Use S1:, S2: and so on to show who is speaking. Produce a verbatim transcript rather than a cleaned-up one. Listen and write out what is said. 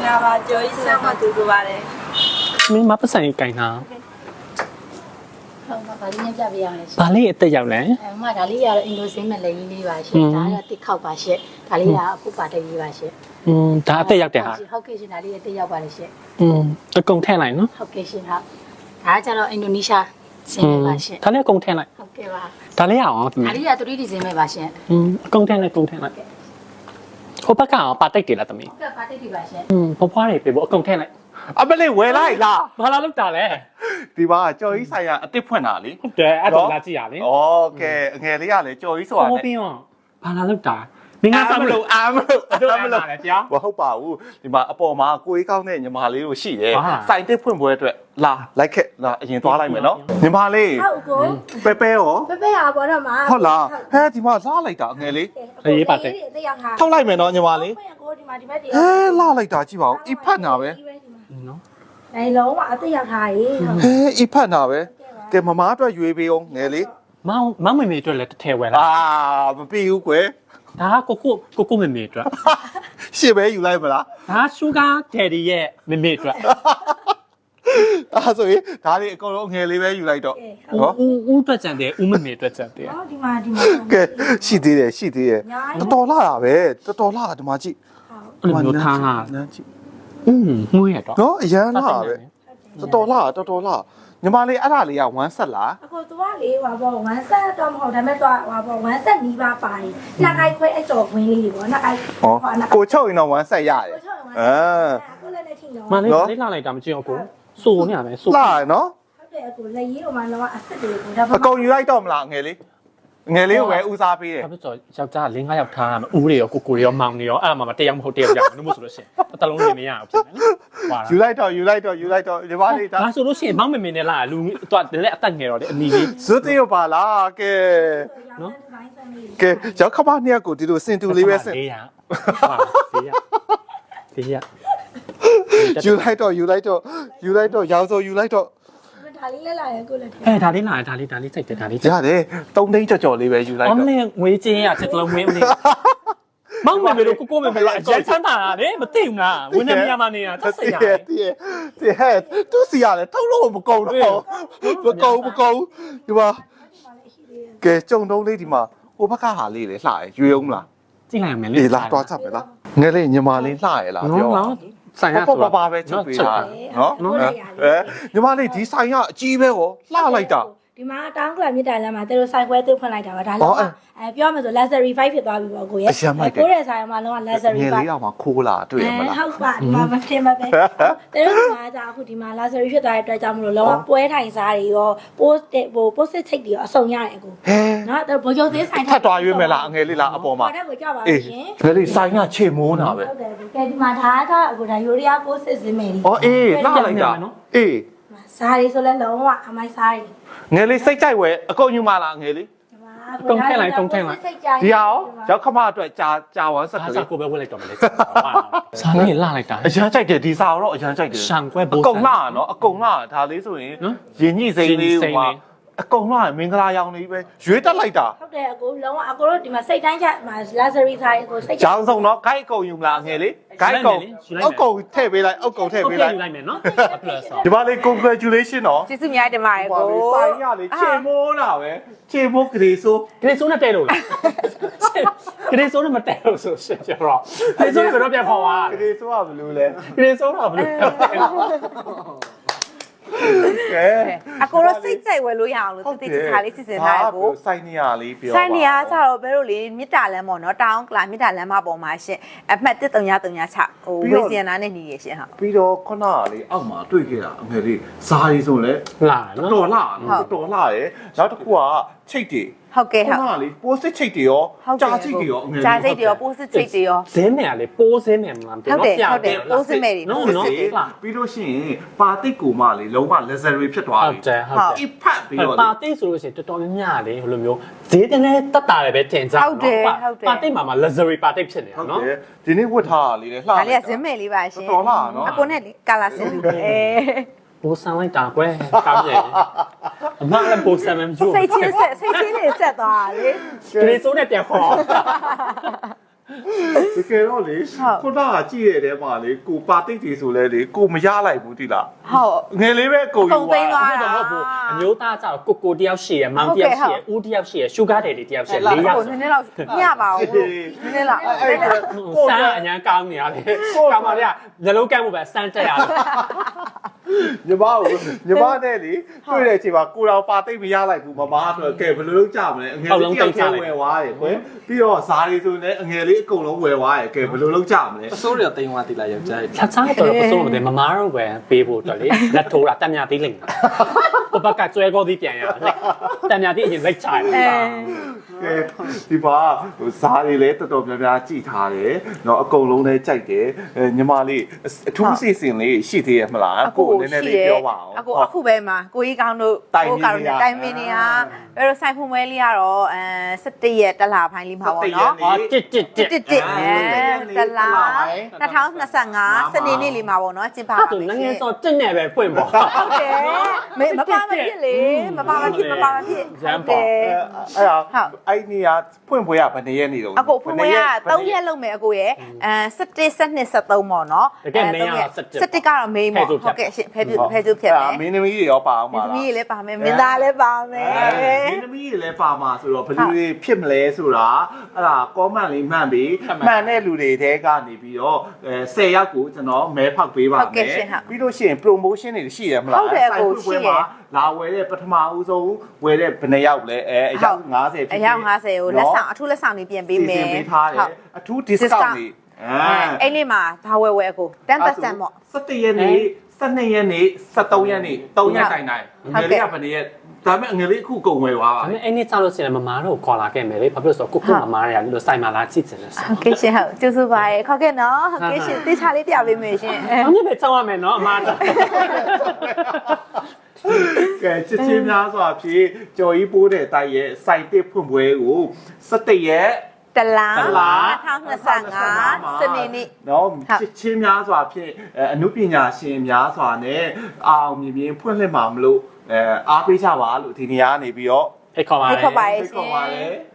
S1: လာပါကြော်ကြီးဆမ်းမတူတူပါတယ်
S2: မင်းမပတ်ဆိုင်ကိုင်တာ
S3: ဟုတ်ပါဗာလေးနဲ့ပြပေးရမယ်ရှင်
S2: ဘာလေးအသက်ရောက်လဲ
S3: အဲမှဒါလေးကတော့အင်ဒိုစင်းမဲ့လေးလေးပါရှင်ဒါကတစ်ခေါက်ပါရှင်ဒါလေးကအပုပါတကြီးပါရှင်
S2: อืมဒါအသက်ရောက်တယ်ဟာ
S3: ဟုတ်ကဲ့ရှင်ဒါလေးအသက်ရောက်ပါတယ်ရှင်
S2: อืมအကုန်ထည့်လိုက်နော်
S3: ဟုတ်ကဲ့ရှင်ဟုတ်ဒါကကျတော့အင်ဒိုနီးရှားစင်းမဲ့ပါရှင်
S2: ဒါလည်းအကုန်ထည့်လိုက်
S3: ဟုတ်ကဲ့ပါ
S2: ဒါလေးရအောင်
S3: ဒါလေးက three D စင်းမဲ့ပါရှင်
S2: อืมအကုန်ထည့်လိုက်အကုန်ထည့်လိုက်ဟိုဘက်ကအောင်ပါတိတ်တယ်လားသမီး
S3: ဟုတ်ကဲ့ပါတိတ်တွေပါရှင်
S2: อืมဖွားဖွားတွေပြေဖို့အကုန်ထည့်လိုက်
S4: အမလေးဝယ်လိုက်လား
S2: ဘာလာလောက်တာလဲ
S4: ဒီပါကြော်ကြီးဆိုင်ရအစ်စ်ဖွင့်တာလေ
S2: ဟုတ်တယ်အဲ့တော့လာကြည့်ရလေ
S4: โอเคအငယ်လေးကလေကြော်ကြီးဆိုတာ
S2: လေဟိုပြီးတော့ဘာလာလောက်တာမင်းကစားမလို့
S4: အာမလို့
S2: အတို့အာမလို့လေတရား
S4: မဟုတ်ပါဘူးဒီမှာအပေါ်မှာကိုကြီးကောင်းတဲ့ညီမလေးတို့ရှိတယ်စိုင်တစ်ဖွင့်ပွဲအတွက်လာလိုက်ခဲ့လာအရင်သွားလိုက်မယ်နော်ညီမလေး
S1: ဟုတ်ကို
S4: ပဲပဲရော
S1: ပဲပဲဟာပေါ်တော့မှာ
S4: ဟုတ်လားဟဲဒီမှာလာလိုက်တာအငယ်လေး
S2: ရေးပါတယ်
S4: ထောက်လိုက်မယ်နော်ညီမလေး
S1: ကိုဒီမှာဒီဘက်တည်း
S4: ဟဲလာလိုက်တာကြည့်ပါဦးအဖတ်နာပဲ
S2: နော်
S1: အဲလုံးဝအသက်ရောက်ထားရေ
S4: ဟဲအဖတ်နာပဲကဲမမအတွက်ရွေးပေးအောင်ငယ်လေး
S2: မောင်မောင်မေမေအတွက်လည်းတစ်ထည့်ဝယ်လား
S4: အာမပြီးဘူးကွယ်
S2: ဒါကကိုကိုကိုကိုမေမေအတွက်
S4: ရှေ့ပဲယူလိုက်မလား
S2: ဒါရှူဂါဒယ်ဒီရဲ့မေမေအတွက်
S4: အဲ့ဆိုရင်ဒါလေးအကုန်လုံးငယ်လေးပဲယူလိုက်တော့
S2: နော်ဦးဦးအတွက်ကြံတယ်ဦးမေမေအတွက်ကြံတယ်
S1: ဟောဒီမှာဒီမှာ
S4: ကဲရှိသေးတယ်ရှိသေးတယ်တော်တော်လာတာပဲတော်တော်လာတာဒီမှာကြည့်
S2: အဲ့လိုမျိုးထားဟာ
S4: နန်းကြည့်
S2: อืมငွေရတော့
S4: နော်အရန်လာပဲတော်တော်လာတော်တော်လာညီမလေးအဲ့ဒါလေးကone set လား
S1: အခုသွားလေးဟွာပေါ့one set တော့မဟုတ်ဒါပေမဲ့သွားဟွာပေါ့one set နီးပါးပါတယ်နှစ်ခိုက်ခွဲအကျော်ခွင်းလေးတွေပေါ့နှစ်ခိုက်
S4: ဟောကိုချုပ်ရင်တော့one set ရတယ်အာ
S1: အခုလည်းလည်းထိတော့
S2: မလေးလေးလာလိုက်တာမကြည့်အောင်ကိုစိုးနေရမယ်စိုး
S4: လာနော်
S1: ဟုတ်တယ်အခုလက်ရည်ဟိုမှာတော့အဆက်တွေကိုဒါ
S4: အကုန်ယူလိုက်တော့မလားငယ်လေးငယ်လေးကိုပဲဦးစားပေးတယ်
S2: ဒါဆိုယောက်ျား၄-၅ယောက်ထားရမယ်ဦးတွေရောကိုကိုတွေရောမောင်တွေရောအဲ့မှာမတယောက်မဟုတ်တယောက်ရအောင်လို့မဆိုလို့ရှိရင်တစ်လုံးနေမရအောင်ဖြစ်မယ်နော်
S4: ယူလိုက်တော့ယူလိုက်တော့ယူလိုက်တော့ဒီပါလေးဒါ
S2: ဆိုလို့ရှိရင်မောင်မမေနဲ့လာလူတော့လည်းအသက်ငယ်တော့လေအနီလေး
S4: ဇွတ်တေးပါလားကဲ
S2: နော်
S4: ကဲရောက်ခမနှစ်ယောက်ကိုဒီလိုစင်တူလေးပဲစင်
S2: ၄ရဟုတ်၄ရ၄ရ
S4: ယူလိုက်တော့ယူလိုက်တော့ယူလိုက်တော့ရောင်စောယူလိုက်တော့
S1: ဒါလေးလည်းလာရကိုလည်း
S2: အဲဒါလေးလာဒါလေးဒါလေးစိတ်တယ်ဒါလေး
S4: ရတယ်သုံးသိန်းကြော်ကြော်လေးပဲယူလိုက်တော့
S2: အမလေးငွေချင်းရစစ်တလုံးဝင်းဦးလေးမောင်မေမေတို့ကိုကိုမေမေတို့အရင်ချမ်းသာတာလေမသိဘူးလားဝင်းနေမြာမနေတာသက်စိတ်ရတယ်
S4: တည်တည်ဟဲ့သူစီရတယ်ထုတ်လို့မကုန်တော့မကုန်မကုန်ဒီမှာကဲကြုံတုံးလေးဒီမှာဟိုဘက်ကဟာလေးလေလှရရွေအောင်လား
S2: ကြည့်လိုက်ရမယ်လေ
S4: အေးလာတွားချက်ပဲလားငယ်လေးညီမလေးလှရလားပြော
S2: ဆိုင်ရ
S4: ဆိုတော့ပါပဲချုပ်ပေးတာနော်အဲညီမလေးဒီဆိုင်ရအကြီးပဲဟောလှလိုက်တာ
S1: ဒီမှာတောင်းကလမြစ်တိုင်လမ်းမှာသူတို့ဆိုင်ခွဲသွင်းဖွင့်လိုက်တာပါဒါလည်းအဲပြောမယ်ဆို luxury five ဖြစ်သွားပြီပေါ့ကိုရဲ့ကိုရဲ့ဆိုင်မှာလုံးဝ luxury
S4: five ငယ်လေးတော့မှခိုးလာတွေ့ရမလား
S1: ဟုတ်ပါဒီမှာမထင်ပါပဲသူတို့ကကြာအခုဒီမှာ luxury ဖြစ်သွားတဲ့အတွက်ကြောင့်မလို့လုံးဝပွဲထိုင်စားတွေရော post ဟို post ချိတ်တွေရောအစုံရတယ်အကိုနော်သူဘိုးကျော်သေးဆိုင်
S4: ထပ်သွားရွေးမယ်လားအငယ်လေးလားအပေါ်မှာ
S1: အဲ့ဒါကိုကြောက်ပါ
S4: ရှင်ငယ်လေးဆိုင်ကချေမိုးတာပဲ
S1: ဟုတ်တယ်ကဲဒီမှာဒါကအခုဒါ Urea post စင်းမယ်
S4: အော်အေးလှလိုက်တာအေး
S1: စားရီဆိုလဲလုံးဝအမိုက်စားရီ
S4: ငယ်လေးစိတ်ကြိုက်ဝဲအကုန်ယူမလားငယ်လေး
S2: တုံထည့်လိုက်တုံထည့်လိုက်
S4: ဒီဟာရောရောက်ခမအတွက်ကြာကြာဝမ်းဆက်ကလေး
S2: ကိုပဲဝက်လိုက်တော့မလဲစားနေလှလိုက်တာ
S4: အရန်ကြိုက်တယ်ဒီစာတော့အရန်ကြိုက်တယ်
S2: ရှန်ကွဲဘိုး
S4: အကုန်လှနော်အကုန်လှဒါလေးဆိုရင်ရင်ညှိစိမ့်လေးဟိုမှာအကုန်လှမင်္ဂလာရောင်လေးပဲရွေးတက်လိုက်တာ
S1: ဟုတ်တယ်အကိုလုံးဝအကိုတို့ဒီမှာစိတ်တိုင်းချမှာ luxury ဆိုင်အကိုစိတ်
S4: ကြောင်စုံတော့ဂိုက်အကုန်ယူမလားငယ်လေးဂိုက်ကုန်အကုန်ထည့်ပေးလိုက်အကုန်ထည့်ပေးလိုက်
S2: ယူလိုက်မယ်နော်
S4: ဒီပါလေး congratulation နော်
S3: ကျေးဇူးများတင်ပါတယ်ကို
S4: ဆိုင်ရလေချေမိုးတာပဲချေမိုးဂရေဆိုး
S2: ဂရေဆိုးနဲ့တဲလို့လားဂရေဆိုးနဲ့မတဲလို့ဆိုရှင်ကျတော့ဂရေဆိုးနဲ့ဘယ်တော့ပြန်ခေါ်ပါ
S4: ဂရေဆိုးကဘယ်လိုလဲ
S2: ဂရေဆိုးတော့ဘယ်လို
S4: ကဲ
S3: အကိုတော့စိတ်ကြိုက်ဝယ်လို့ရအောင်လို့တိတိကျကျလေးစစ်စစ်ထားရကို
S4: စိုက်နေရလေးပြော
S3: စိုက်နေရကြတော့ဘယ်လိုလေမြစ်တာလမ်းပေါ့နော်တောင်းကလာမြစ်တာလမ်းမပေါ်မှာရှင်အမှတ်တစ်တုံညာတုံညာချဟိုဝေစီယနာနဲ့နေရရှင်ဟုတ်
S4: ပြီးတော့ခုနကလေအောက်မှာတွေ့ခဲ့တာအမေလေးဇာရီဆိုလဲ
S2: လာနော်
S4: တော်လာနော်တော်လာရယ်နောက်တစ်ခုကချိတ်တွေ
S3: ဟုတ်ကဲ့ဟုတ်
S4: ခုနကလေပိုးစစ်ချိတ်တွေရောကြာချိတ်တွေရောအမေ
S3: ကြာချိတ်တွေရောပိုးစစ်ချိတ်တွေရော
S2: ဇင်းမယ်ကလေပိုးဇင်းမယ်မလား
S3: ဟုတ်တယ်ဟုတ်တယ်ပိုးစစ်မယ်တွေ
S4: နော်နော်ပြီးလို့ရှိရင်ပါတိတ်ကိုမလေလုံးဝ luxury ဖြစ်သွားပြီ
S2: ဟုတ်တယ်ဟုတ်တယ်
S4: အဖတ်ပြီးတော့
S2: ပါတိတ်ဆိုလို့ရှိရင်တော်တော်များများလေဟိုလိုမျိုးဈေးတင်လဲတက်တာလည်းပဲတင်ကြ
S3: ဟုတ်တယ်ဟုတ်တယ်
S2: ပါတိတ်မှာမှာ luxury ပါတိတ်ဖြစ်နေတာနော်
S4: ဒီနေ့ဝတ်ထားတာလေးလေလှ
S3: ဒါလေးကဇင်းမယ်လေးပါရှင်
S4: တော်လာနော်
S3: အကိုနဲ့လေကာလာစင်လူပဲ
S2: ဘိုးဆန်လိုက်တာကွယ်ကောင်းရဲ့အမလည်းဘိုးဆန်မှမကြည့်
S3: စိတ်ချင်းဆက်စိတ်ချင်းလေးဆက်သွားလေ
S2: ဂရေဆိုးနဲ့ပြန်ခေါ်
S4: တကယ်တော့လေခုနကကြည့်ရတဲ့မှာလေကိုပါတိတ်တီဆိုလဲလေကိုမရလိုက်ဘူးတိလား
S3: ဟုတ်
S4: ငယ်လေးပဲကိုယူ
S3: ကုန်သိမ်းသွား
S2: ဟုတ်တော့ဟုတ်ဘူးအမျိုးသားကြတော့ကိုကိုတယောက်ရှိရမောင်တယောက်ရှိရဦးတယောက်ရှိရရှုဂါတယ်တယောက်ရှိရလေးယောက်
S3: နည်းနည်းတော့ညပါဘူးနည်းနည်းလောက်
S4: အဲ့
S2: စမ်းအညာကောင်းနေရတယ်ကောင်းပါလေညလုံးကမ်းမှုပဲစမ်းတက်ရတယ်
S4: ညီမကိုညီမနဲ့လေတွေ့တဲ့အချိန်မှာကိုတော်ပါတိတ်မရလိုက်ဘူးမမဆိုတော့ကဲဘယ်လိုလုပ်ကြမလဲအငယ်လေးတယောက်တည်းဝယ်သွားတယ်ကွယ်ပြီးတော့ဇားလေးဆိုလည်းအငယ်လေးအကုန်လုံးဝယ်သွားတယ်ကဲဘယ်လိုလုပ်ကြမလဲ
S5: အစိုးရတိမ်ဝါတိလာယောက်ျား
S2: ချက်စားတော့ပစုံတယ်မမားတော့ပဲပေးဖို့တော့လေလက်ထိုးတာတက်မြသေးလိမ့်မယ်ပပကကျွဲကောသည်ပြန်ရလိုက်တက်မြသေးအရင်လိုက်ချတယ်
S4: ကဲဒီပါဇားလေးလည်းတော်တော်များများကြည်ထားတယ်เนาะအကုန်လုံးလည်းကြိုက်တယ်ညီမလေးအထူးစီစဉ်လေးရှိသေးရဲ့မလားကိုနည်းနည်းလေးပြောပါအောင်
S3: အခုအခုပဲမှာကိုကြီးကောင်းတို့ကိုကောင်းတို့တိုင်မင်းနေဟာဘယ်လိုဆိုင်ဖွင့်ပွဲလေးကတော့အဲ၁၁ရက်တလပိုင်းလေးမှာပေါ့နော်
S2: အော်တစ်တစ်တစ်
S3: တစ်တစ်အဲတလ၂၀၂၅စနေနေ့လေးမှာပေါ့နော်ကျင်းပပါ
S2: အဲ့ဒါငငယ်စောတက်နေပဲပွင့်ပေါ့
S3: ဟုတ်တယ်မေမပါမဖြစ်လေမပါမဖြစ်မပါမဖြစ်
S2: ရမ်းပေါ့
S4: အဲ့ဒါအဲ့နေရဖွင့်ပွဲကဘယ်နှစ်ရက်နေတော့
S3: အကိုဖွင့်ပွဲက၃ရက်လုံးမယ်အကိုရဲ့အဲ၁၁ ၁၂ ၁၃ပေါ့နော်၁၁ကတော့မေးပေါ့ဟုတ်ကဲ့ရှင်ဖဲပြဖဲကျုပ်ဖြစ်တယ်
S4: မင်းသမီးတွေရောပါအောင်ပါ
S3: မ
S4: လား
S3: င်းသမီးလည်းပါမယ်မင်းသားလည်းပါမယ်
S4: မင်းသမီးတွေလည်းပါမှာဆိုတော့ဘယ်လိုတွေဖြစ်မလဲဆိုတာအဲ့ဒါ comment လေးမှန်ပြီးမှန်တဲ့လူတွေတဲကနေပြီးတော့အဲ၁၀ယောက်ကိုကျွန်တော်မဲဖောက်ပေးပါမယ်ပြီးလို့ရှိရင် promotion တွေရှိရမလားလာဝယ်တဲ့ပထမဦးဆုံးဝယ်တဲ့ဘယ်နှယောက်လဲအဲအယောက်၅၀ဖြစ်
S3: အယောက်၅၀ကိုလက်ဆောင်အထူးလက်ဆောင်တွေပြင်ပေးမယ်
S4: ပေးထားတယ်အထူး discount တွေအဲ
S3: အဲ့လေးမှာဘာဝယ်ဝယ်အကိုten percent ပေါ့
S4: ၁၁ရက်နေ့၁၂ရက်နေ့၁၃ရက်နေ့၃ရက်တိုင်တိုင်ငယ်လေးကဘယ်နှစ်ရက်ဒါပေမဲ့ငယ်လေးအခုကုန်ဝယ်သွားပါ
S2: ဒါပေမဲ့အဲ့နေ့ကြောက်လို့ရှိရင်မမားတော့ခေါ်လာခဲ့မယ်လေဘာဖြစ်လို့ဆိုတော့ကိုကိုမမားရလို့စိုက်မာလာချစ်တယ်လို့ဆို
S3: ဟုတ်ကဲ့ရှင်ဟုတ်ကျေးဇူးပါရခေါက်ခဲ့နော်ဟုတ်ကဲ့ရှင်တေးချလေးပြပေးမယ်ရှင်
S2: အမြဲပဲကြောက်ရမယ်နော်အမားတော့
S4: ကဲချစ်ချင်းများစွာဖြင့်ကြော်ကြီးပိုးတဲ့တိုက်ရဲ့စိုက်တစ်ဖွင့်ပွဲကို၁၁ရက်
S3: တလား၂၀၂၅စနေနေ့
S4: เนาะချစ်ချင်းများစွာဖြင့်အမှုပညာရှင်များစွာနဲ့အောင်မြင်မြင်ဖွင့်လှစ်မှာမလို့အဲအားပေးကြပါလို့ဒီနေရာကနေပြီးတော့
S2: ဖိတ်ခေါ်ပါ
S3: ဖိ
S2: လေ
S3: တ်ခေါ်ပါရ
S4: ဖိတ်
S3: ရှ
S4: ခေါ်
S3: င်
S4: ပါတယ်